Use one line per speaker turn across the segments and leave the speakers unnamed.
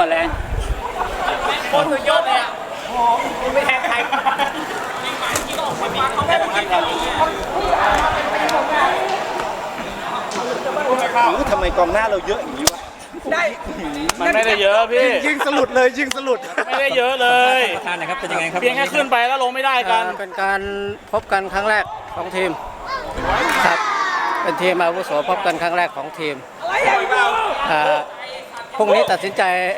ดแรงโคตรสุดยอดเลยอ่ะโอ้ไม่แทงใคร
ทำไมกองหน้าเราเยอะอย่างนี้วะได้
มันไม่ได้เยอะพี่
ยิงสลุดเลยยิงสลุด
ไม่ได้เยอะเลย
ท่านนะครับเป็นยังไงครับ
เพียงแค่ขึ้นไปแล้วลงไม่ได้กัน
เป็นการพบกันครั้งแรกของทีมครับเป็นทีมอาวุโสพบกันครั้งแรกของทีมพรุ่งนี้ตัดสินใจ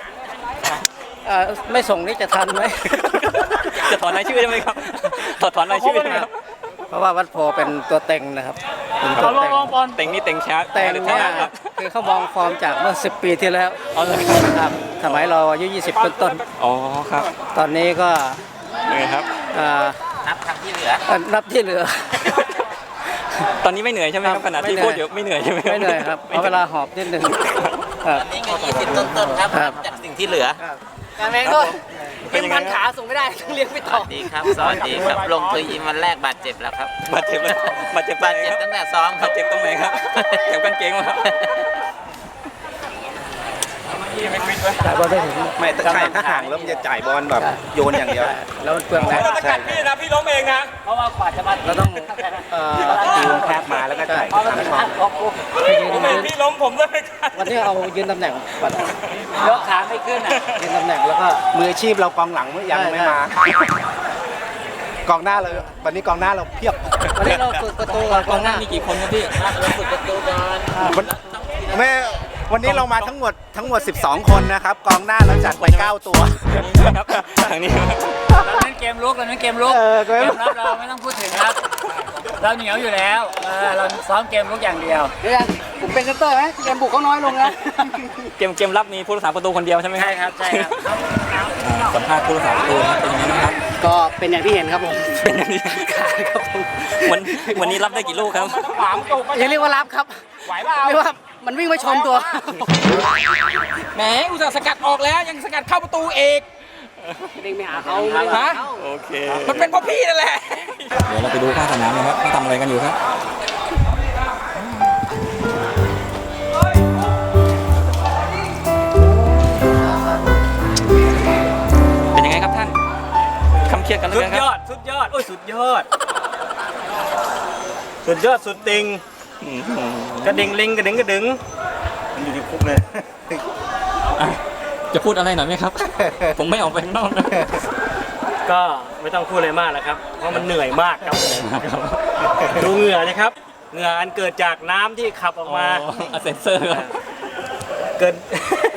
ไม่ส่งนี่จะทันไหม
จะถอนรายชื่อใช่ไหมครับถอนรายชื่อใช่ไหมครับ
เพราะว่าวัดโพเป็นตัวเต็งนะครับเป็นตัวเต็ง
เต็งนี่เต็งช้า
เต็งเนี่ยคือเขามองฟอร์มจากเมื่อ10 ปีที่แล้วครับสมัยเราอายุ20ต้น
ๆอ๋อครับ
ตอนนี้ก็
ไงครับ
นับที่เหลือ
ตอนนี้ไม่เหนื่อยใช่ไหมครับขณะที่พูดอยู่ไม่เหนื่อยใช่ไหม
ไม่เหนื่อยครับเพราะเวลาหอบนิดนึง
ตอนนี้ก็20ต้นๆครับจากสิ่งที่เหลือ
การแมงก็เป็นพันขาส่งไม่ได้ต้องเลี้ยงไปต่อ
สวัสดีครับสวัสดีครับลงทุนยิมวันแรกบาดเจ็บแล้วครับ
บาดเจ็บ
ตั้งแต่ซ้อมครับ
เจ็บตรงไหนครับเจ็บกางเกงมาครับ
จ่ายบอลได้ถึง
ไม่ถ้าใครถ้าห่างแล้วมันจะจ่ายบอลแบบโยนอย่างเดียว
แล้วมันเปลืองแรง
ใช่พี่นะพี่ล้มเองนะ
เพราะว่ากว่าจะมา
เราต้อง
ตีวงแคบมาแล้วก็จ่าย
พี่ล้มผมเลย
วันนี้เอายืนตำแหน่งปัด
ยกขาไม่ขึ้นอ่ะ
ยืนตำแหน่งแล้วก็
มืออาชีพเรากองหลังยังไม่มากองหน้าเราวันนี้กองหน้าเราเพียบ
วันนี้เราฝึกประตู
กองหน้ามีกี่คนครับพี่
เราฝึกประตูกัน
แม่วันนี้เรามาทั้งหมด12 คนนะครับกองหน้าเราจัดไป9 ตัว
ครับทางนี้เราเล่นเกมลุกเกมรับเราไม่ต้องพูดถึงครับเราเหนียวอยู่แล้วเราซ้อมเกมลุกอย่างเดียว
ผมเป็นเซนเตอร์ไหมเกมบุกเขาน้อยลงนะ
เกมรับมีผู้รักษาประตูคนเดียวใช่ไหม
ใช่ครับ
สัมภาษณ์ผู้รักษาประตูเป็นยังไงบ้างครับ
ก็เป็นอย่างที่เห็นครับผม
เป็นอย่างนี้ครับผมวันนี้รับได้กี่ลูกครับ
ยังเรียกว่ารับครับเรียกว่ามันวิ่งไปชนตัว
แหมอุตส่าห์สกัดออกแล้วยังสกัดเข้าประตูเอก
เด้งไปหาเขา
ฮะโอเคมันเป็นเพราะพี่นั่นแหละเดี๋ยวเราไปดูข้างสนามนะครับเขาทำอะไรกันอยู่ครับเป็นยังไงครับท่านคำเครียดกันเลยครับ
สุดยอดโอ้ยสุดยอดสุดติงกระดิ่งลิงกระดิ่งกระดึงมันอยู่ที่คุกเลย
จะพูดอะไรหน่อยไหมครับ ผมไม่ออกไปข้างนอกนะ
ก็ไม่ต้องพูดอะไรมากแล้วครับเพราะมันเหนื่อยมากครับดูเหงื่อนะครับเหงื่ออันเกิดจากน้ำที่ขับออกมา
เซนเซอร์
เกิด